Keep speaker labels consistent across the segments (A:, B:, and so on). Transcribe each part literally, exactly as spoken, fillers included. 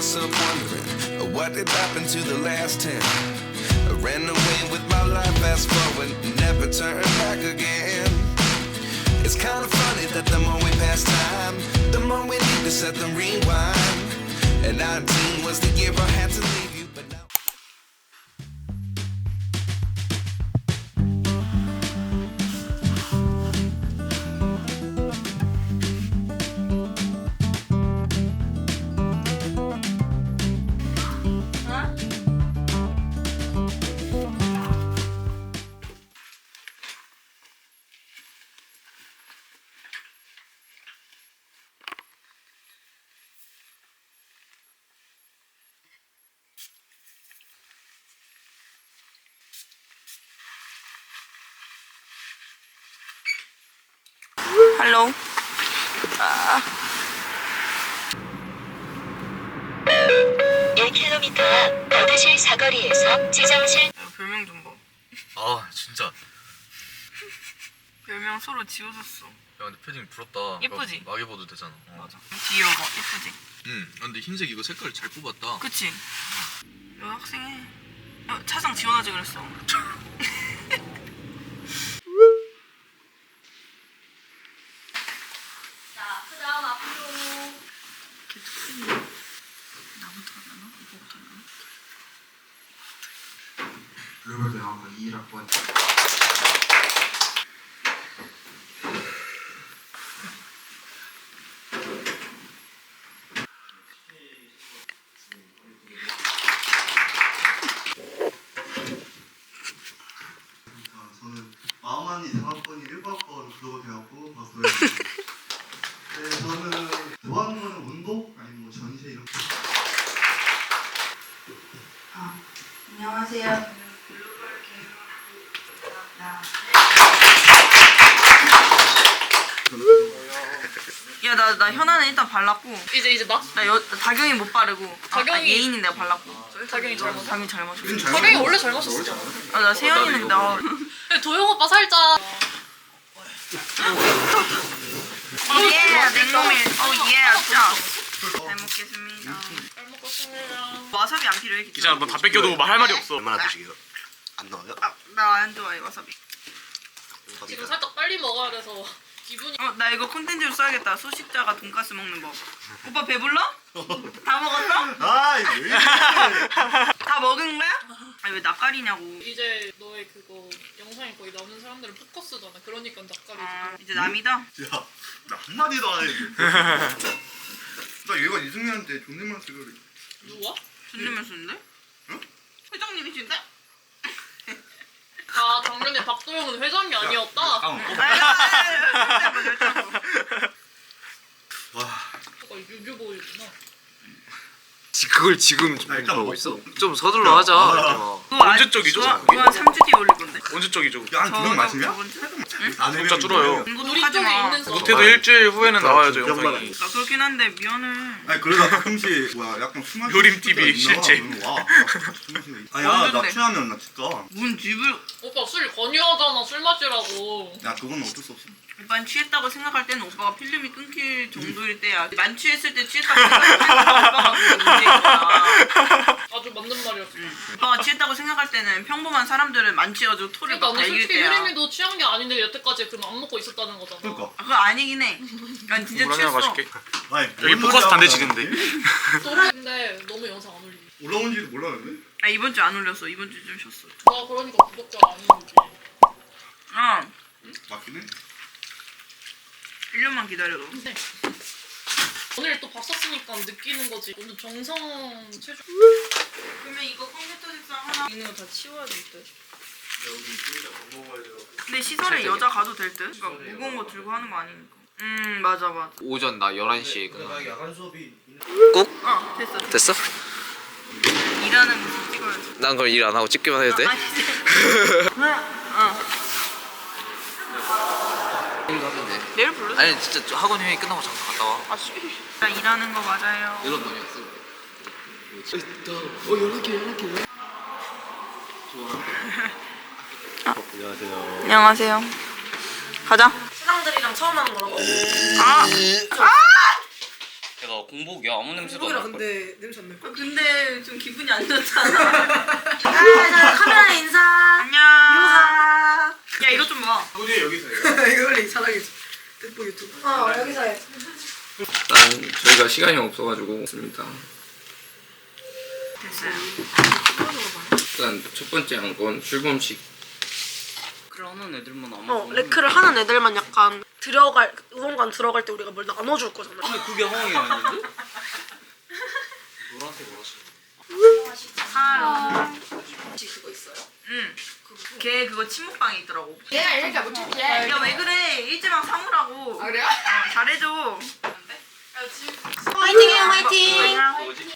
A: myself wondering, what did happen to the last ten? I ran away with my life, fast forward, never turn back again. It's kind of funny that the more we pass time, the more we need to set them rewind. And nineteen was the year I had to leave you, but now.
B: 할로. 아.
C: 일 킬로미터 앞 버드실 사거리에서 지정실.
B: 야, 별명 좀 봐.
D: 아 진짜.
B: 별명 서로 지어줬어.
D: 야 근데 패딩 부럽다.
B: 예쁘지?
D: 막 입어도 되잖아. 어.
B: 맞아. 뒤에 봐봐. 예쁘지?
D: 응. 근데 흰색 이거 색깔 잘 뽑았다.
B: 그치? 여 학생해. 야, 차상 지원하지 그랬어.
C: 자, 그 다음 앞으로.
B: 나부터 하나? 이거부터 하나?
E: 글로벌대학원 이 일 학번 저는 마음만 이상한 학번이 일부 학번 글로벌대학원 박도현입니다. 네, 저는 좋아하는 거는 운동 아니면 뭐 전시 이런 거.
B: 아, 안녕하세요. 야, 나, 나 현아는 일단 발랐고.
F: 이제 이제 나?
B: 나 여, 다경이 못 바르고.
F: 다경이-
B: 아, 아, 예인이 내가 발랐고.
F: 다경이 잘 마셔.
B: 다경이 잘 마셔.
F: 다경이 원래 잘 마셨어.
B: 아, 나 세연이는 근데 어.
F: 근데 도영 오빠 살짝.
B: 예, 냉모밀. 어, 예, 진짜. 잘 먹겠습니다.
F: 잘 먹었습니다.
B: 와사비 안 필요해, 기차.
G: 진짜 너 다 뺏겨도 말 할 말이 없어.
E: 얼마나 드시게요? 안 넣어요?
B: 아, 나 안 좋아해, 와사비.
F: 지금 살짝 빨리 먹어야 돼서 기분이.
B: 어, 나 이거 콘텐츠로 써야겠다. 소식자가 돈가스 먹는 법. 오빠 배불러? 다 먹었어?
E: 아이 왜 이래?
B: 다 먹은 거야? 아니 왜 낯가리냐고.
F: 이제 너의 그거 영상에 거의 나오는 사람들은 포커스잖아. 그러니까 낯가리지.
B: 아, 이제 남이다?
E: 야, 나 한마디도 안 했는데. 나 얘가 이승민한테 존댓말 쓰려 그래.
F: 누가?
B: 존댓말 쓰는데?
E: 응?
B: 회장님이신데?
F: 아 작년에 박도영은 회장이 아니었다.
E: 와,
F: 그거 유교보이구나.
G: 그걸 지금
E: 나 일단
G: 보고
E: 먹고.
G: 있어? 좀 서둘러 하자.
E: 아,
G: 이렇게 막.
B: 그거
G: 언제
B: 아-
G: 쪽이죠?
B: 그거 그거 한 삼 주 뒤에 올릴 건데.
G: 언제 쪽이죠?
E: 야한 두 명
B: 저거
E: 마시냐?
B: 저번 주?
E: 안
G: 숫자 줄어요.
B: 이거
F: 우리
B: 하지
F: 쪽에
B: 마.
F: 있는 사람.
G: 못해도 일주일 후에는 나와야죠
E: 기억만
G: 영상이.
B: 나 그렇긴 한데 미안해.
E: 아니 그러다 가끔씩 뭐야 약간 술 마시는
G: 요림 티비
E: 친구들
G: 실제.
E: 있나? 와, 술 마시는 거. 아야 나
B: 언젠데?
E: 취하면 나 진짜.
B: 문 집을
F: 오빠 술 권유하잖아. 술 마시라고.
E: 야 그건 어쩔 수 없어.
B: 오빠는 취했다고 생각할 때는 오빠가 필름이 끊길 정도일 때야. 만취했을 때 취했다고 생각하면 오빠가 그게 문제구나.
F: 아주 맞는 말이었어.
B: 오빠가 취했다고 생각할 때는 평범한 사람들은 만취해가지고 토를
F: 그러니까
B: 막
F: 나는
B: 달길
F: 솔직히
B: 때야.
F: 효림이도 취한 게 아닌데 여태까지 그럼 안 먹고 있었다는 거잖아.
E: 그러니까.
B: 아, 그거 아니긴 해. 난 진짜
G: 물 하나
B: 취했어.
G: 마실게.
E: 아니
G: 여기
E: 뭔
G: 포커스
E: 소리야,
G: 안
E: 나.
G: 되시는데.
F: 근데 너무 영상 안 올리지.
E: 올라온지도 몰랐는데?
B: 아 이번 주 안 올렸어. 이번 주 좀 쉬었어.
F: 나 그러니까 구독자 아닌 거지.
B: 아
E: 맞긴 해.
B: 일 년만 기다려도.
F: 근데 오늘 또 밥 샀으니까 느끼는 거지. 오늘 정성 최종.
B: 그러면 이거 컴퓨터 책상 하나 있는 거 다 치워야 될 듯. 근데 시설에 여자 가도 될 듯? 그러니까 무거운 거 들고 하는 거 아니니까. 음 맞아 맞아.
H: 오전 나 열한 시에 끝나.
E: 야간 수업이
B: 어 됐어 됐어.
H: 됐어?
B: 일하는 모습 찍어야지.
H: 난 그럼 일 안 하고 찍기만 해도 돼?
B: 아, 어. 내일 불러.
H: 아니 진짜 저 학원 회의 끝나고 잠깐 갔다 와.
B: 아 씨. 나 일하는 거 맞아요.
H: 이런 놈이었어.
E: 안녕하세요.
B: 안녕하세요. 가자.
F: 신랑들이랑 처음 하는 거라고.
B: 아. 아.
H: 내가 공복이야. 아무 냄새도 안
F: 소고기라
H: 날 걸.
F: 근데 냄새 안 날
B: 아,
F: 걸?
B: 근데 좀 기분이 안 좋잖아.
F: 아, 카메라 인사.
B: 안녕.
F: 유하.
B: 야 이거 좀 봐.
G: 우리 여기서 해요.
F: 이거 원래 자랑이지. 뜯보 유튜브. 어 여기서 해.
H: 일단 저희가 시간이 없어가지고 있습니다.
B: 됐어요.
H: 일단 첫 번째 한 건 출범식. 그러는 애들만 아마.
F: 어 레크를 하는 애들만 약간 들어갈 의원관 들어갈 때 우리가 뭘 나눠줄 거잖아.
H: 근데 그게 허용이 아닌데? 노란색 뭐라시?
B: 아,
F: 혹시 그거 있어요?
B: 응. 걔 그거 침묵방에 있더라고.
F: 얘가 이렇게 못 쳤지.
B: 야 왜 그래? 일제방 사무라고.
F: 아 그래요?
B: 어, 잘해줘.
F: 화이팅해요 화이팅.
B: 화이팅.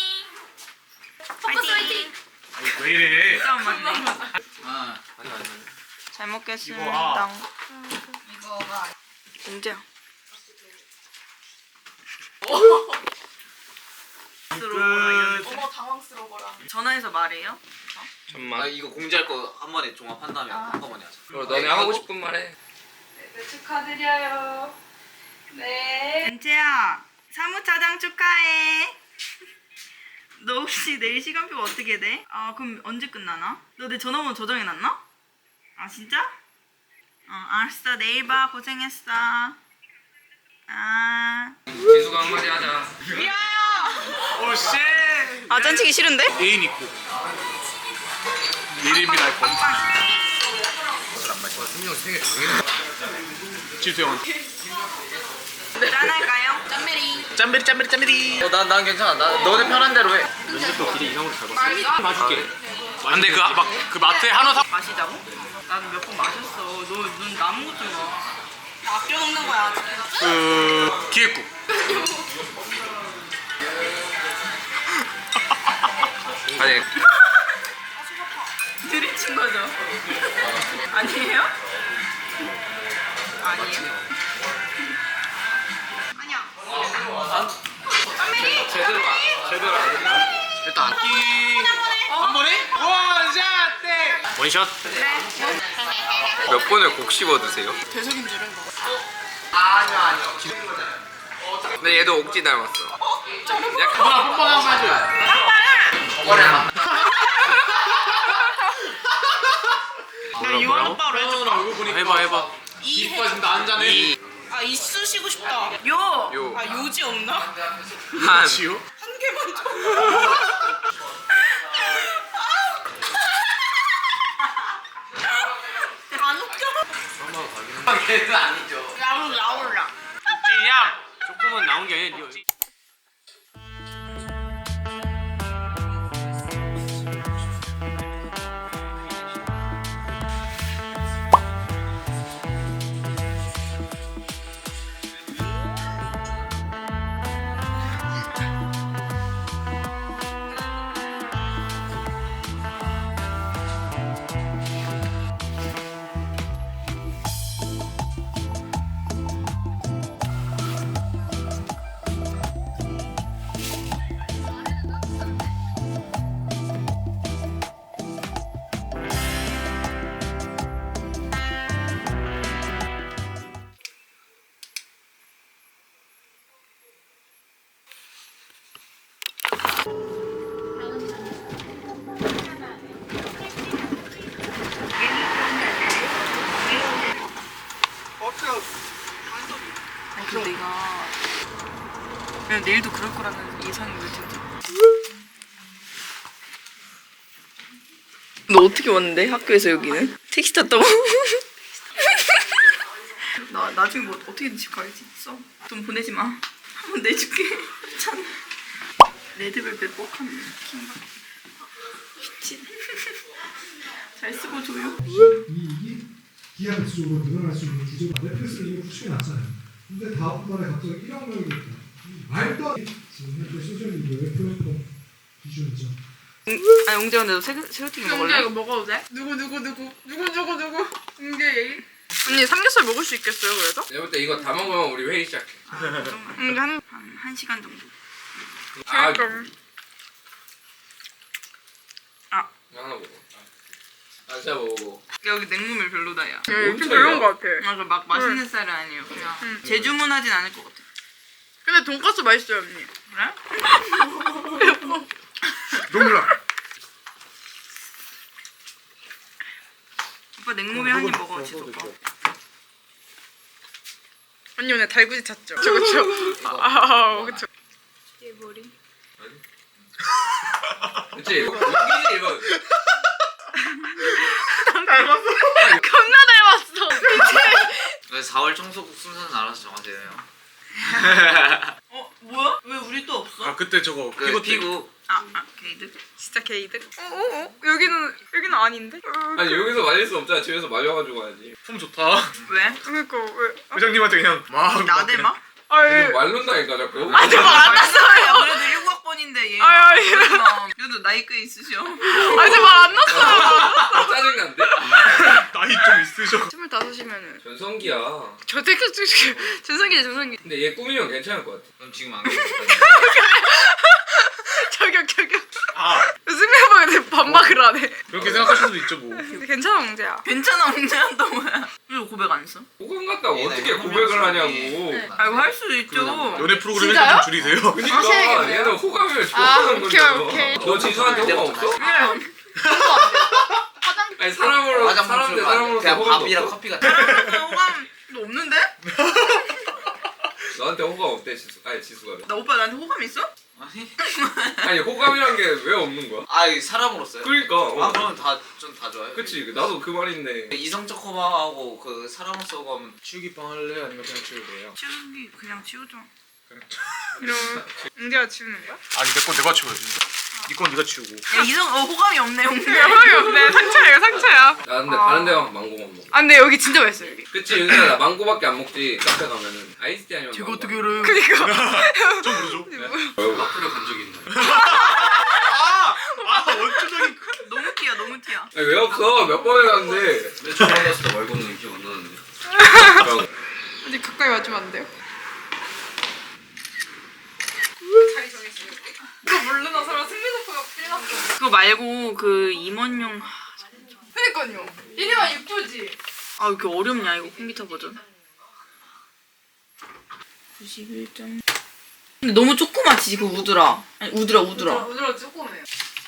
F: 포커스 화이팅.
G: 왜 이래?
B: 짱 맞네.
H: 아 아니 아니.
B: 잘 먹겠습니다.
G: 이거, 아.
F: 이거가
B: 공재야.
F: 어머 당황스러워라.
B: 전화해서 말해요.
H: 잠만. 아 이거 공지할 거 한 번에 종합한 다음에 한꺼번에 하자. 그럼 너네 하고 싶은 말 해.
F: 네, 축하드려요. 네.
B: 엔채야 사무차장 축하해. 너 혹시 내일 시간표가 어떻게 돼? 아 그럼 언제 끝나나? 너 내 전화번호 저장해놨나? 아 진짜? 어 알았어 내일 봐 고생했어. 아
H: 지수가 한마디 하자.
G: 오 씨.
B: 아 짠치기 싫은데?
G: 애인 있고. 예림이나 할 뻔.
H: 승용 생일 당연히.
G: 지수 형은.
B: 짠할까요?
G: 짬베리 짬베리 짬베리.
H: 어난 난 괜찮아. 나 너네 편한 대로 해.
G: 면접도 길이 이상으로 잘 봤어. 봐줄게. 근데 그 막 그 마트에 한우 사.
B: 마시자고? 나는 몇 번 마셨어. 너 눈 남은 것 좀 봐. 나 아껴 먹는 거야.
G: 그 기획국.
H: 아니
B: 들이친 거죠? 아니에요? 아니에요?
H: 제대로 안 제대로 안 해. 일단
G: 한 번에? 원샷 때. 원샷.
H: 몇 번을 곡 씹어 드세요?
F: 대석인 줄은 뭐.
H: 근데 얘도 옥지 닮았어. 약간
G: 누나 뽀뽀 한번 해줘요.
B: 나 유한 오빠로 해줄까?
G: 얼굴 보니까 해봐 해봐. 이뻐 지금 나 한잔해.
B: 아 이쑤시고 싶다. 요!
H: 요.
B: 아 요지 없나?
H: 한.
G: 지우?
B: 한 개만 줘. 안 웃겨?
H: 걔도 아니죠.
B: 라울 라울라.
G: 찌양. 조금은 나온 게 아니라 니
B: 아 근데 내가 그냥 내일도 그럴 거라는 예상이 왜 진짜. 너 어떻게 왔는데 학교에서 여기는? 택시 탔다고? 나 나중에 뭐 어떻게든 집 가야지. 써. 돈 보내지 마. 한번 내줄게. 참. 레드벨벳 뻑하네. 킹받. 미친. 잘 쓰고 줘요.
I: 이익이 기하 배수적으로 늘어날 수 있는 구조가 넷플릭스를 이미 구축해 놨잖아요. 근데 다음 달에 갑자기 일억 명이 됐다. 말도 안 돼. 지금 현재 소셜미디어의 플랫폼 기준이죠.
B: 아 용재 근데 너 새우, 새우튀김 먹을래?
F: 이거 먹어도 돼? 누구 누구 누구 누구 누구 누구 이게 얘기?
B: 언니 삼겹살 먹을 수 있겠어요 그래도?
H: 내가 볼 때 이거 다 먹으면 우리 회의 시작해.
B: 음, 한, 한, 한 시간 정도.
H: 아,
B: 아.
H: 하나 먹어. 아, 진짜 먹어.
B: 여기 냉모밀 별로다 야.
H: 엄청 별로인 것
B: 같아. 아, 그 막 맛있는 쌀은 아니에요. 그냥 재주문하진 않을 것 같아.
F: 근데 돈까스 맛있어요 언니.
B: 그래?
G: 눈물 나.
B: 오빠 냉모밀 한 입 먹어 지수 오빠.
F: 언니 오늘 달구지 찾죠? 그쵸 그쵸. 아 그쵸.
B: 얘 머리.
H: 그치 이거 웃기지 이거.
F: 겁나 닮았어.
J: 사월 청소국 순서는 알아서 정하세요.
B: 어 뭐야? 왜 우리 또 없어?
G: 아 그때 저거
J: 그
G: 피고 때.
J: 피구.
B: 아, 아 게이드.
F: 진짜 게이득. 어어어 여기는 여기는 아닌데? 어,
H: 아니 여기서 말릴 수 없잖아. 집에서 말려가지고 가야지.
G: 품 좋다.
B: 왜?
F: 그니까 왜?
G: 회장님한테 그냥 막
B: 나대 막?
F: 아이
H: 말른다니까 자꾸.
F: 아직 말안 났어요.
B: 그래도 일곱 학번인데 얘.
F: 아이, 아이.
B: 그래도 나이 꽤 있으셔.
F: 아직 말안 났어요.
H: 짜증난데?
G: 나이 좀 있으셔.
F: 스물다섯이면은
H: 전성기야.
F: 저 되게 전성기 전성기.
H: 근데 얘 꾸미면 괜찮을 것 같아.
J: 그럼 지금 안 계시다.
F: 저격 저격.
G: 아
F: 승리해봐야 반박을 안 해.
G: 그렇게 생각하실 수도 있죠 뭐.
F: 괜찮아 몽재야.
B: 괜찮아 문제는 또 뭐야? 왜 고백 안 했어?
H: 호감 같다고
J: 얘네
H: 어떻게
J: 호감이
H: 고백을
J: 없어.
H: 하냐고.
B: 아 이거 할 수도 있죠.
G: 연애 프로그램
F: 진짜요?
G: 일단 좀 줄이세요.
H: 그니까
F: 하셔야겠네요.
H: 얘는 호감을
F: 아
H: 좋아하는
F: 오케이
H: 거잖아.
F: 오케이.
H: 너 지수한테 호감 없어? 아니 사람으로
J: 화장품
H: 사람 대
J: 줄거
H: 사람으로서
J: 그냥
H: 호감도
J: 밥이랑
H: 없어?
J: 커피 같은.
B: 나 호감 너 없는데?
H: 너한테 호감 없대 지수. 아니 지수가.
B: 나 오빠 나한테 호감 있어?
J: 아니.
H: 아니 호감이란 게 왜 없는 거야?
J: 아 이게 사람으로서요?
H: 그러니까. 어.
J: 아 그러면 다좀 다 좋아요.
H: 그치 나도 그 말인데.
J: 이성적 호감하고 그 사람으로서 호감은
G: 치우기빵 할래 아니면 그냥 치울래요?
B: 치우기 그냥 치우자.
F: 이러면 몽재가 치우는 거야?
G: 아니 내 건 내가 치워야지. 네 건 네가 치우고.
B: 야 이성 어 호감이 없네 홍대.
F: 호감이 없네. 상처야 이거 상처야.
H: 나 근데
F: 아.
H: 다른 데 가면 망고만 먹어.
F: 아 근데 여기 진짜 맛있어 여기.
H: 그치 윤서야 나 망고밖에 안 먹지. 카페 가면은 아이스티 아니면
B: 제가
H: 망고.
B: 어떻게 알아요?
F: 그니까.
G: 좀 모르죠.
J: 커피를 간 적이 있나요?
G: 아 원초적인.
B: 너무 티야 너무 티야.
H: 아니 왜 없어? 몇 번을 갔는데.
J: 근데 저 만났을 때 말고는 기억 안 나는데.
F: 아직 가까이 와주면 안 돼요? 자리 정했어요. 그거 모르는 사람 승리노프가 필났어.
B: 그거 말고 그 임원용.
F: 그니까요. 이리만 이쁘지.
B: 아 왜 이렇게 어렵냐 이거 컴퓨터 버전. 구십일 점. 근데 너무 조그맣지 그 우드라. 아니 우드라 우드라.
F: 우드라 조금해요.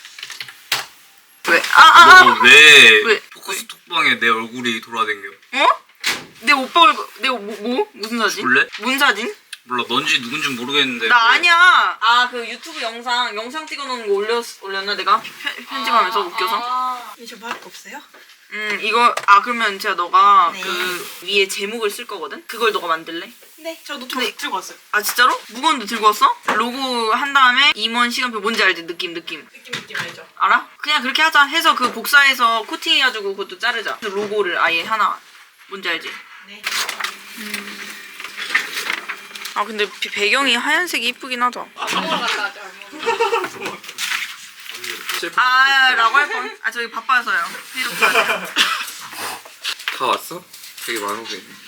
B: 왜? 아아 아.
D: 왜,
B: 왜?
D: 포커스 톡방에 내 얼굴이 돌아다녀?
B: 어? 내 오빠 얼굴 내 뭐, 뭐? 무슨 사진?
D: 볼래?
B: 뭔 사진?
D: 몰라 넌지 누군지 모르겠는데
B: 나 아니야. 아 그 유튜브 영상 영상 찍어놓은 거 올렸 올렸나 내가 편- 편집하면서 웃겨서.
F: 이 저밖에 없어요?
B: 음 이거 아 그러면 제가 너가
F: 네.
B: 그 위에 제목을 쓸 거거든. 그걸 너가 만들래?
F: 네. 저 노트북 들고 왔어요.
B: 아 진짜로? 무거운데 들고 왔어? 로고 한 다음에 임원 시간표 뭔지 알지? 느낌 느낌.
F: 느낌 느낌 알죠?
B: 알아? 그냥 그렇게 하자. 해서 그 복사해서 코팅해가지고 그것도 자르자. 그 로고를 아예 하나. 뭔지 알지?
F: 네.
B: 아 근데 비- 배경이 하얀색이 이쁘긴 하다.
F: 아무거나 갖다 하자. 아무거나.
B: 아 라고 할 뻔. 아 저기 바빠서요. 회의록 해야 돼.
H: 다 왔어? 되게 많은 게 있네.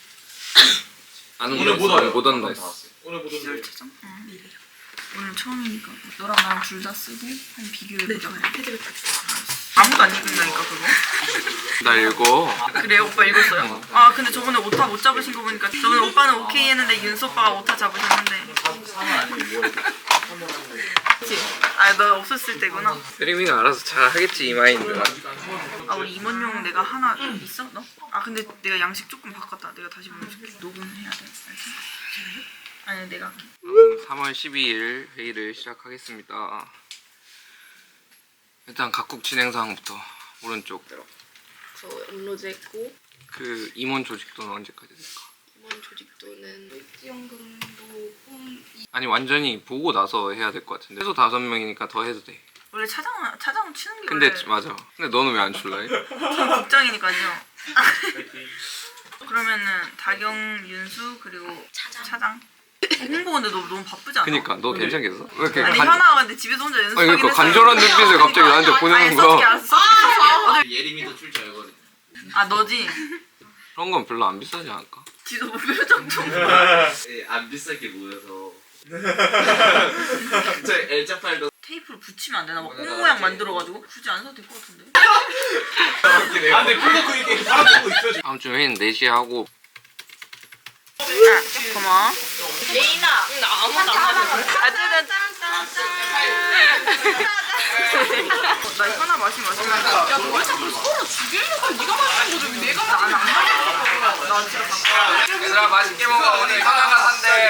H: 안
G: 오늘
H: 온다
G: 못
H: 했어.
G: 와요.
H: 못 온다 했어.
G: 오늘 보던
B: 비교를 찾아? 응. 오늘 처음이니까 너랑 나랑 둘 다 쓰고 한 비교해보자.
F: 패드를 딱 줘.
B: 아무도 안 읽는다니까 그거.
H: 나 읽어.
B: 그래요? 오빠 읽었어요? 아 근데 저번에 오타 못 잡으신 거 보니까 저번에 오빠는 오케이 했는데 윤수 오빠가 오타 잡으셨는데. 그치? 아너 없었을 때구나.
H: 세림이가 알아서 잘 하겠지 이 마인드.
B: 아 우리 임원용 내가 하나 있어? 너? 아 근데 내가 양식 조금 바꿨다. 내가 다시 보내줄게. 녹음해야 돼. 알지? 아니 내가 할게.
H: 삼월 십이일 회의를 시작하겠습니다. 일단 각국 진행 사항부터 오른쪽.
F: 저 업로드 했고
H: 그 임원 조직도는 언제까지 될까?
F: 이번 조직도는 일지연금도 홈
H: 아니 완전히 보고 나서 해야 될 것 같은데. 최소 다섯 명이니까 더 해도 돼.
B: 원래 차장 차장은 치는 게
H: 근데
B: 원래
H: 맞아. 근데 너는 왜 안 출라해?
B: 전 국장이니까요. 그러면은 다경, 윤수 그리고 차장. 차장. 홍보 근데 너 너무 바쁘지 않아?
H: 그니까 너 괜찮겠어? 왜 이렇게
B: 아니
H: 간...
B: 현아가 근데 집에서 혼자
H: 아니
B: 연습하긴
H: 그러니까
B: 했어요.
H: 간절한 눈빛을 갑자기 나한테
B: 아니
H: 보내는
B: 써줄게
H: 거야.
B: 알았어 써줄게.
J: 예림이도 출 줄 알거든.
B: 아 너지?
H: 그런 건 별로 안 비싸지 않을까?
B: 지도 뭐 표정 좀.
J: 예, 안 비싸게 모여서. 저 엘자 파일도.
B: 테이프를 붙이면 안 되나? 막 꽃 모양 만들어가지고 굳이 안 사도 될 것 같은데.
G: 아 근데 그거 그 이게 사람 보고 있어 지금.
H: 다음 주 회의는 네 시에 하고
B: 아, 고마워. 예인아.
F: 응, 나 아무도 안 마셔.
B: 아짜잔 나 이거 하나 마시면 맛있겠다.
F: 야, 너 왜 자꾸 서로 죽이려고 해? 네가 마시는 거지. 왜 내가 마시는 거야?
B: 나 집에 갈게.
H: 얘들아 맛있게 먹어. 오늘 하나가 산대.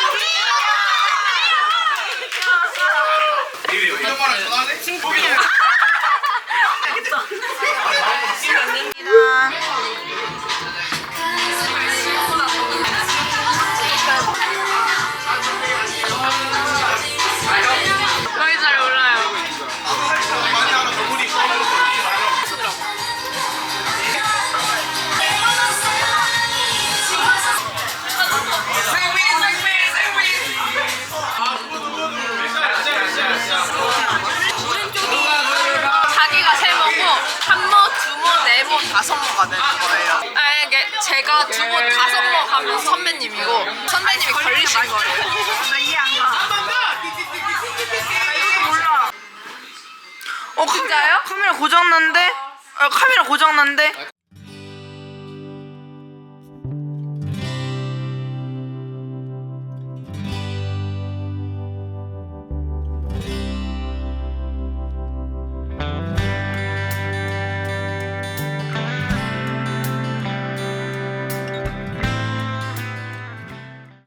F: 거의 잘 몰라요. 자기가 세 모고 한 모, 두 모, 네 모, 다섯 모가 되는 거예요. 아 이게 제가 두 모, 다섯 모 하면 선배님이고 선배님이 걸리신 거예요.
B: 나 이해 안 가. 이것도 몰라. 어,
F: 진짜요?
B: 카메라 고장난데? 아, 카메라 고장난데?